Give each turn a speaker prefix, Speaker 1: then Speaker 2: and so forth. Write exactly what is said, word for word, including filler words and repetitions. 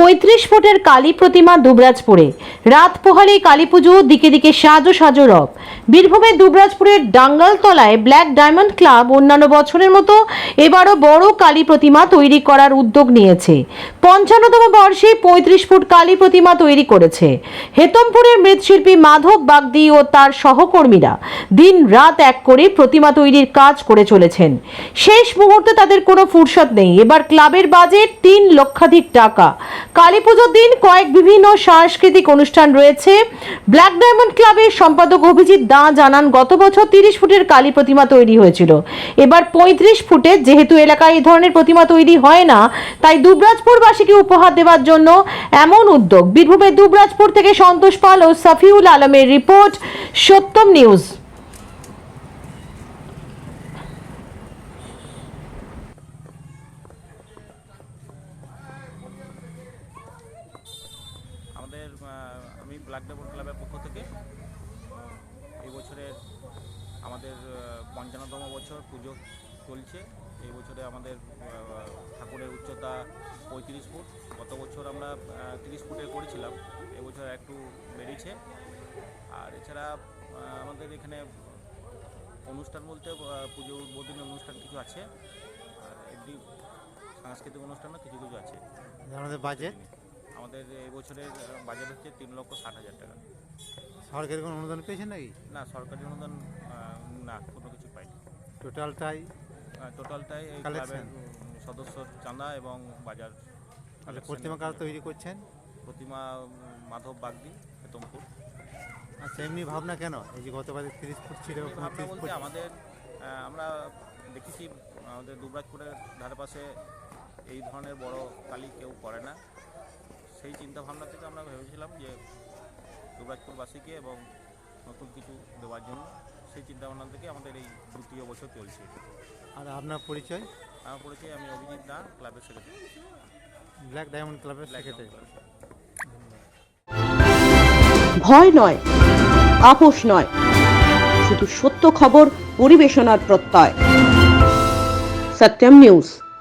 Speaker 1: পঁয়ত্রিশ ফুটের কালী প্রতিমা দুবরাজপুরে। রাত পোহালেই কালী পুজো, দিকে দিকে সাজো সাজো রব। বীরভূমের দুবরাজপুরের ডাঙ্গালতলায় ব্ল্যাক ডায়মন্ড ক্লাব অন্যান্য বছরের মতো এবারও বড় কালী প্রতিমা তৈরি করার উদ্যোগ নিয়েছে। পঞ্চান্নতম বর্ষে পঁয়ত্রিশ ফুট কালী প্রতিমা তৈরি করেছে হেতমপুরের মৃৎশিল্পী মাধব বাগদি ও তার সহকর্মীরা। দিন রাত এক করে প্রতিমা তৈরির কাজ করে চলেছেন। শেষ মুহূর্তে তাদের কোনো ফুরসত নেই। এবার ক্লাবের বাজেট তিন লক্ষাধিক টাকা। কালী পুজোর দিন কয়েক বিভিন্ন সাংস্কৃতিক অনুষ্ঠান রয়েছে। ব্ল্যাক ডায়মন্ড ক্লাবের সম্পাদক অভিজিৎ দা জানান, গত বছর তিরিশ ফুটের কালী প্রতিমা তৈরি হয়েছিল। এবার পঁয়ত্রিশ ফুটের, যেহেতু এলাকায় এই ধরনের প্রতিমা তৈরি হয় না, তাই দুবরাজপুরবাসীকে উপহার দেওয়ার জন্য এমন উদ্যোগ। বীরভূমের দুবরাজপুর থেকে সন্তোষ পাল ও সাফিউল আলমের রিপোর্ট, সত্যম নিউজ।
Speaker 2: আমাদের আমি ব্ল্যাক ডায়মন্ড ক্লাবের পক্ষ থেকে এই বছরের আমাদের পঞ্চান্নতম বছর পুজো চলছে। এই বছরে আমাদের ঠাকুরের উচ্চতা পঁয়ত্রিশ ফুট। গত বছর আমরা তিরিশ ফুটে করেছিলাম, এবছর একটু বেড়েছে। আর এছাড়া আমাদের এখানে অনুষ্ঠান বলতে পুজো উদ্বোধনী অনুষ্ঠান কিছু আছে, আর এমনি সাংস্কৃতিক অনুষ্ঠানও কিছু কিছু আছে।
Speaker 3: আমাদের বাজেট
Speaker 2: আমাদের এই বছরের বাজেট হচ্ছে তিন লক্ষ ষাট হাজার টাকা।
Speaker 3: সরকারি কোনো অনুদান পেয়েছেন নাকি?
Speaker 2: না, সরকারি অনুদান না, কোনো কিছু পাইনি।
Speaker 3: টোটালটাই
Speaker 2: টোটালটাই এই ক্লাবের সদস্য চাঁদা এবং বাজার।
Speaker 3: তাহলে প্রতিমা কারা তৈরি করছেন?
Speaker 2: প্রতিমা মাধব বাগদি, হেতমপুর।
Speaker 3: আচ্ছা, এমনি ভাবনা কেন এই যে গত বাজেট তিরিশ ফুট ছিল?
Speaker 2: ভাবনা বলতে আমাদের আমরা দেখেছি আমাদের দুবরাজপুরের ধারে পাশে এই ধরনের বড় কালী কেউ করে না। সেই চিন্তা ভাবনা থেকে আমরা ভেবেছিলাম যে দুবরাজপুরবাসীকে এবং নতুন কিছু দেওয়ার জন্য। সেই চিন্তা ভাবনা থেকে আমাদের এই দ্বিতীয় বছর চলছে।
Speaker 3: আর আপনার পরিচয়?
Speaker 2: আমার পরিচয়, আমি অভিজিৎ দা, ক্লাবের সেক্রেটারি,
Speaker 3: ব্ল্যাক ডায়মন্ড ক্লাবের সেক্রেটারি।
Speaker 4: ভয় নয়, আপোষ নয়, শুধু সত্য খবর পরিবেশনার প্রত্যয়। সত্যম নিউজ।